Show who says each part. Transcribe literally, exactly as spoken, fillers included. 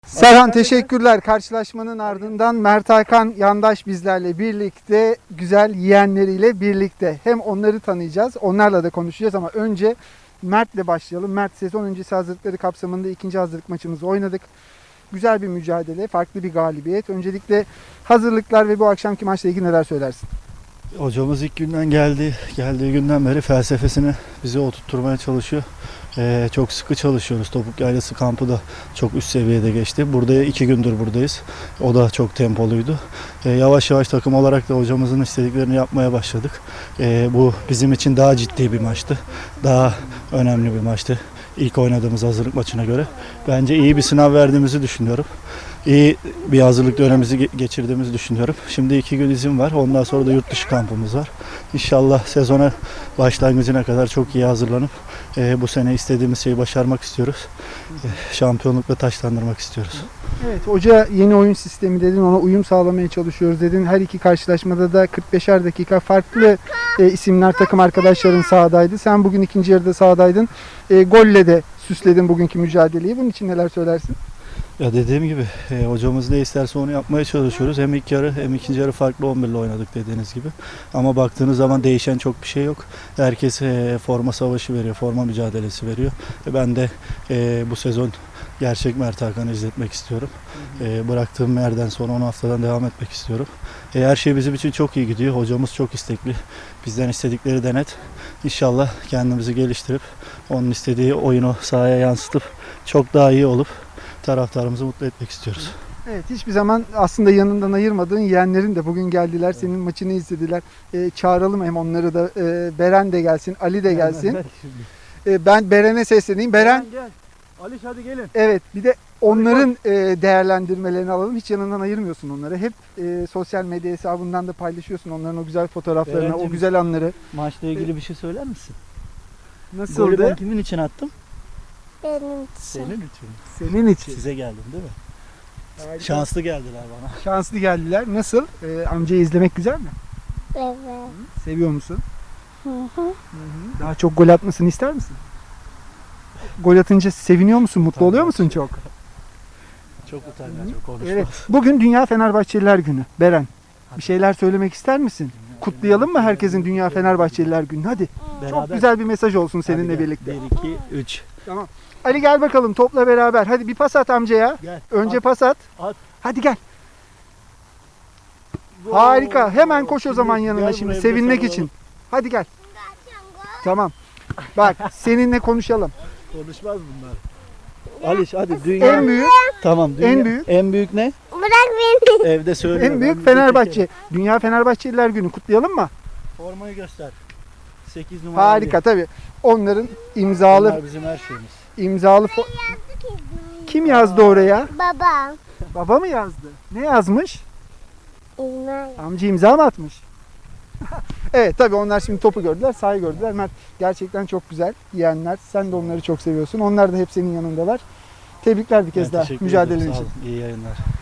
Speaker 1: Serhan teşekkürler. Karşılaşmanın ardından Mert Hakan Yandaş bizlerle birlikte, güzel yeğenleriyle birlikte. Hem onları tanıyacağız, onlarla da konuşacağız ama önce Mert'le başlayalım. Mert, sezon öncesi hazırlıkları kapsamında ikinci hazırlık maçımızı oynadık. Güzel bir mücadele, farklı bir galibiyet. Öncelikle hazırlıklar ve bu akşamki maçla ilgili neler söylersin?
Speaker 2: Hocamız ilk günden geldi, geldiği günden beri felsefesini bize oturtturmaya çalışıyor. Ee, çok sıkı çalışıyoruz. Topuk Yaylası kampı da çok üst seviyede geçti. Burada iki gündür buradayız. O da çok tempoluydu. Ee, yavaş yavaş takım olarak da hocamızın istediklerini yapmaya başladık. Ee, bu bizim için daha ciddi bir maçtı. Daha önemli bir maçtı. İlk oynadığımız hazırlık maçına göre. Bence iyi bir sınav verdiğimizi düşünüyorum. İyi bir hazırlık dönemimizi geçirdiğimizi düşünüyorum. Şimdi iki gün izin var. Ondan sonra da yurt dışı kampımız var. İnşallah sezona başlangıcına kadar çok iyi hazırlanıp e, bu sene istediğimiz şeyi başarmak istiyoruz. E, şampiyonlukla taçlandırmak istiyoruz.
Speaker 1: Evet, hoca yeni oyun sistemi dedin, ona uyum sağlamaya çalışıyoruz dedin. Her iki karşılaşmada da kırk beşer dakika farklı e, isimler, takım arkadaşların sahadaydı. Sen bugün ikinci yarıda sahadaydın. E, golle de süsledin bugünkü mücadeleyi. Bunun için neler söylersin?
Speaker 2: Ya dediğim gibi e, hocamız ne isterse onu yapmaya çalışıyoruz. Hem ilk yarı hem ikinci yarı farklı on bir ile oynadık dediğiniz gibi. Ama baktığınız zaman değişen çok bir şey yok. Herkes e, forma savaşı veriyor, forma mücadelesi veriyor. E, ben de e, bu sezon gerçek Mert Hakan'ı izletmek istiyorum. E, bıraktığım yerden sonra on haftadan devam etmek istiyorum. E, her şey bizim için çok iyi gidiyor. Hocamız çok istekli. Bizden istedikleri de net. İnşallah kendimizi geliştirip onun istediği oyunu sahaya yansıtıp çok daha iyi olup taraftarımızı mutlu etmek istiyoruz.
Speaker 1: Evet, hiçbir zaman aslında yanından ayırmadığın yeğenlerin de bugün geldiler, senin maçını izlediler. Ee, çağıralım hem onları da. Ee, Beren de gelsin, Ali de gelsin. Ee, ben Beren'e sesleneyim. Beren,
Speaker 3: Gel. Aliş hadi gelin.
Speaker 1: evet, bir de onların e, değerlendirmelerini alalım. Hiç yanından ayırmıyorsun onları. Hep e, sosyal medya hesabından da paylaşıyorsun onların o güzel fotoğraflarını,
Speaker 3: Berencim,
Speaker 1: o güzel anları.
Speaker 3: Maçla ilgili bir şey söyler misin? Golü
Speaker 1: Nasıldı?
Speaker 3: ben kimin için attım?
Speaker 4: Benim için.
Speaker 3: Senin için.
Speaker 1: Senin için.
Speaker 2: Size geldim değil mi?
Speaker 1: Harika.
Speaker 2: Şanslı geldiler bana.
Speaker 1: Şanslı geldiler. Nasıl? Ee, amcayı izlemek güzel mi?
Speaker 4: Evet.
Speaker 1: Seviyor musun?
Speaker 4: Hı hı.
Speaker 1: Daha çok gol atmasını ister misin? Gol atınca seviniyor musun? Mutlu
Speaker 2: Tabii.
Speaker 1: oluyor musun çok?
Speaker 2: Çok utangaç, çok konuşmaz.
Speaker 1: Evet. Bugün Dünya Fenerbahçeliler Günü. Beren, bir şeyler söylemek ister misin? Kutlayalım mı herkesin Dünya Fenerbahçeliler Günü? Hadi. Çok
Speaker 2: Beraber.
Speaker 1: güzel bir mesaj olsun
Speaker 2: Hadi
Speaker 1: seninle
Speaker 2: gel.
Speaker 1: birlikte.
Speaker 2: bir, iki, üç.
Speaker 1: Tamam. Ali gel bakalım topla beraber. Hadi bir pas at amcaya.
Speaker 2: Gel.
Speaker 1: Önce
Speaker 2: At,
Speaker 1: pas at.
Speaker 2: at.
Speaker 1: Hadi gel.
Speaker 2: Gol.
Speaker 1: Harika. Hemen koş o
Speaker 2: Şimdi
Speaker 1: zaman
Speaker 2: gel
Speaker 1: yanına
Speaker 2: buraya,
Speaker 1: şimdi
Speaker 2: bir de
Speaker 1: sevinmek
Speaker 2: sarılalım.
Speaker 1: için. Hadi gel. Tamam. Bak seninle konuşalım.
Speaker 2: Konuşmaz bunlar.
Speaker 3: Aliş hadi dünya.
Speaker 1: En büyük
Speaker 3: Tamam dünya.
Speaker 1: En büyük.
Speaker 3: En büyük ne?
Speaker 4: Bırak beni.
Speaker 2: Evde söylüyorum.
Speaker 1: en büyük Fenerbahçe. Dünya Fenerbahçeliler Günü kutlayalım mı?
Speaker 2: Formayı göster. sekiz numara.
Speaker 1: Harika tabii. Onların imzalı
Speaker 2: Bunlar bizim her şeyimiz.
Speaker 1: imzalı fo- Kim yazdı oraya?
Speaker 4: Baba.
Speaker 1: Baba mı yazdı? Ne yazmış?
Speaker 4: İlmay.
Speaker 1: Amca imza mı atmış? Evet tabii onlar şimdi topu gördüler, sahayı gördüler. Mert gerçekten çok güzel yeğenler. Sen de onları çok seviyorsun. Onlar da hep senin yanındalar. Tebrikler bir kez
Speaker 2: Ben
Speaker 1: daha
Speaker 2: teşekkür
Speaker 1: mücadelen
Speaker 2: ederim. Sağ
Speaker 1: için.
Speaker 2: olun. İyi yayınlar.